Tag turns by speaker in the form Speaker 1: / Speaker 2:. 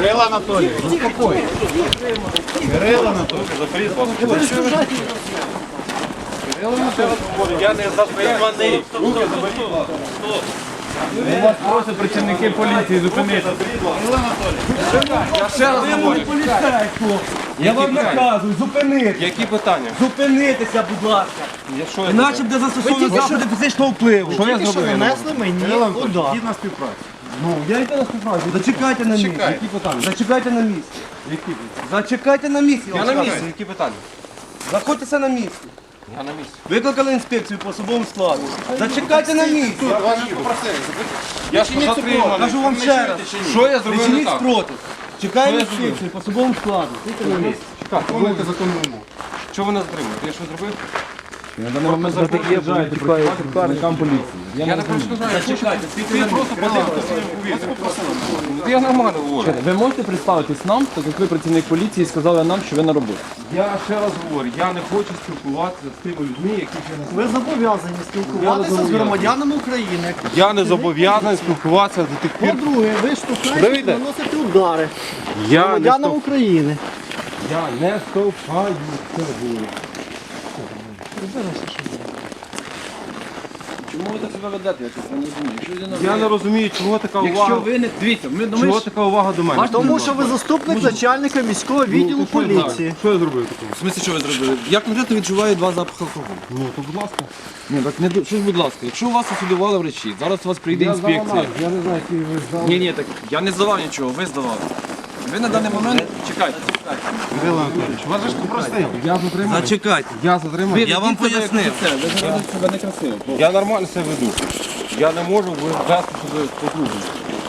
Speaker 1: Кирило Анатолійович, заспокойтесь. Кирило Анатолійович,
Speaker 2: Я не затриманий. Вас просять працівники поліції зупинити. Я ще раз говорю.
Speaker 3: Я вам наказую, зупинити.
Speaker 2: Які питання?
Speaker 3: Зупинитися, будь ласка.
Speaker 2: Що я
Speaker 3: Іначе буде застосовано заходи фізичного впливу.
Speaker 2: Що я зробив?
Speaker 1: нанесли мені удар. Йдіть на співпрацю.
Speaker 3: Ну, я йду на співпрацю. Зачекайте на місці.
Speaker 1: Чекай.
Speaker 3: Які питання? Зачекайте на місці. Зачекайте на місці.
Speaker 2: Я на місці. Які питання?
Speaker 3: Заходьтеся на місці.
Speaker 2: Я на місці.
Speaker 3: Викликали інспекцію по особовому складу. Зачекайте на місці.
Speaker 1: Вас же попросили.
Speaker 2: Я ж затриманий.
Speaker 3: Кажу вам ще раз.
Speaker 2: Що я
Speaker 3: Не
Speaker 2: зробив не
Speaker 3: чиніть
Speaker 2: так?
Speaker 3: спротив. Чекаємо
Speaker 2: Що я зробив?
Speaker 3: інспекцію по особовому складу. Стійте на місці.
Speaker 1: Виконуйте законну вимогу.
Speaker 2: Чого ви нас затримуєте? Я що зробив?
Speaker 4: На даний момент ви приїжджаєте проти працівникам поліції.
Speaker 2: Я не перешкоджаю.
Speaker 3: Зачекайте, стійте на
Speaker 2: Ти
Speaker 3: місці.
Speaker 2: просто подивися своїм повітрям. Я нормально говорю.
Speaker 4: Ви можете представитись нам, так як ви працівник поліції, сказали нам, що ви на роботі.
Speaker 2: Я ще раз говорю, я не хочу спілкуватися з тими людьми, які ще не
Speaker 5: Ви зобов'язані спілкуватися з громадянами України.
Speaker 2: Я не зобов'язаний спілкуватися до тих пір.
Speaker 5: По-друге, ви штовхаєте,
Speaker 2: Давиде.
Speaker 5: наносите удари
Speaker 2: Я не
Speaker 5: громадянам України.
Speaker 2: стовпаю це говорю.
Speaker 4: Чому ви так себе ведете? Я чесно не розумію. Якщо людина
Speaker 2: Я не розумію, чого така
Speaker 4: Якщо
Speaker 2: увага.
Speaker 4: ви не... Дивіться,
Speaker 2: Чого така увага до мене?
Speaker 5: Тому що ви заступник начальника міського відділу поліції.
Speaker 2: Що я зробив такого?
Speaker 3: В смысле, що ви зробили? Як конкретно відчуваю два запахи алкоголю?
Speaker 2: Ну, то будь ласка.
Speaker 3: Ні, так не що ж, будь ласка, якщо вас осудували врачі, зараз у вас прийде інспекція.
Speaker 4: Я не знаю, який ви здали.
Speaker 3: Ні, так я не здавав нічого, ви здавали. Ви на даний момент чекайте.
Speaker 1: Кирило Анатолійович, вас же ж попросили.
Speaker 2: Я затриманий.
Speaker 3: Зачекайте.
Speaker 2: Я затриманий.
Speaker 3: Я вам пояснив.
Speaker 4: Ви зараз себе некрасиво.
Speaker 2: Я нормально себе веду. Я не можу вести себе по-другому.